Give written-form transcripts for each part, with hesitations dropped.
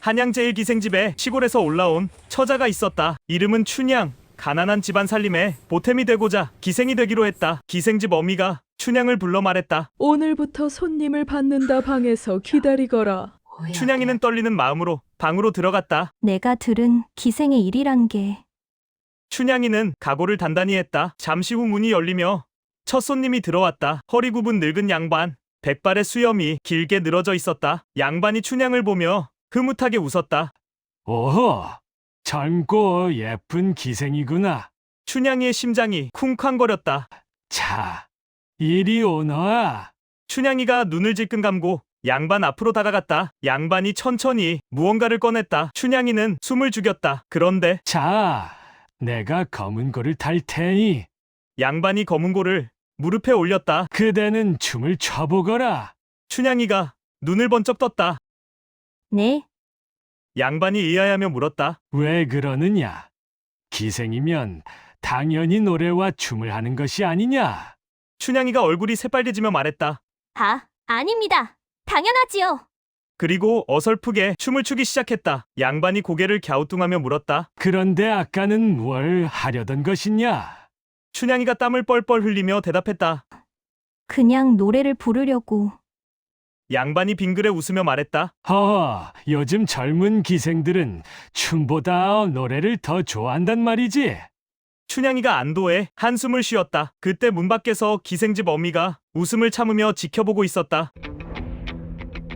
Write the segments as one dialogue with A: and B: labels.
A: 한양 제1기생집에 시골에서 올라온 처자가 있었다. 이름은 춘향. 가난한 집안 살림에 보탬이 되고자 기생이 되기로 했다. 기생집 어미가 춘향을 불러 말했다.
B: 오늘부터 손님을 받는다. 방에서 기다리거라.
A: 춘향이는 떨리는 마음으로 방으로 들어갔다.
C: 내가 들은 기생의 일이란 게
A: 춘향이는 각오를 단단히 했다. 잠시 후 문이 열리며 첫 손님이 들어왔다. 허리 굽은 늙은 양반. 백발의 수염이 길게 늘어져 있었다. 양반이 춘향을 보며 흐뭇하게 웃었다.
D: 오호, 젊고 예쁜 기생이구나.
A: 춘향이의 심장이 쿵쾅거렸다.
D: 자, 이리 오너라.
A: 춘향이가 눈을 질끈 감고 양반 앞으로 다가갔다. 양반이 천천히 무언가를 꺼냈다. 춘향이는 숨을 죽였다. 그런데
D: 자, 내가 검은 고를 탈 테니
A: 양반이 검은 고를 무릎에 올렸다.
D: 그대는 춤을 춰보거라.
A: 춘향이가 눈을 번쩍 떴다.
C: 네,
A: 양반이 의아해하며 물었다.
D: 왜 그러느냐? 기생이면 당연히 노래와 춤을 하는 것이 아니냐?
A: 춘향이가 얼굴이 새빨개지며 말했다.
C: 아닙니다. 당연하지요.
A: 그리고 어설프게 춤을 추기 시작했다. 양반이 고개를 갸우뚱하며 물었다.
D: 그런데 아까는 뭘 하려던 것이냐?
A: 춘향이가 땀을 뻘뻘 흘리며 대답했다.
C: 그냥 노래를 부르려고.
A: 양반이 빙그레 웃으며 말했다.
D: 요즘 젊은 기생들은 춤보다 노래를 더 좋아한단 말이지.
A: 춘향이가 안도해 한숨을 쉬었다. 그때 문 밖에서 기생집 어미가 웃음을 참으며 지켜보고 있었다.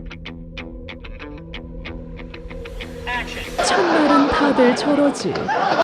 B: 첫날은 다들 저러지.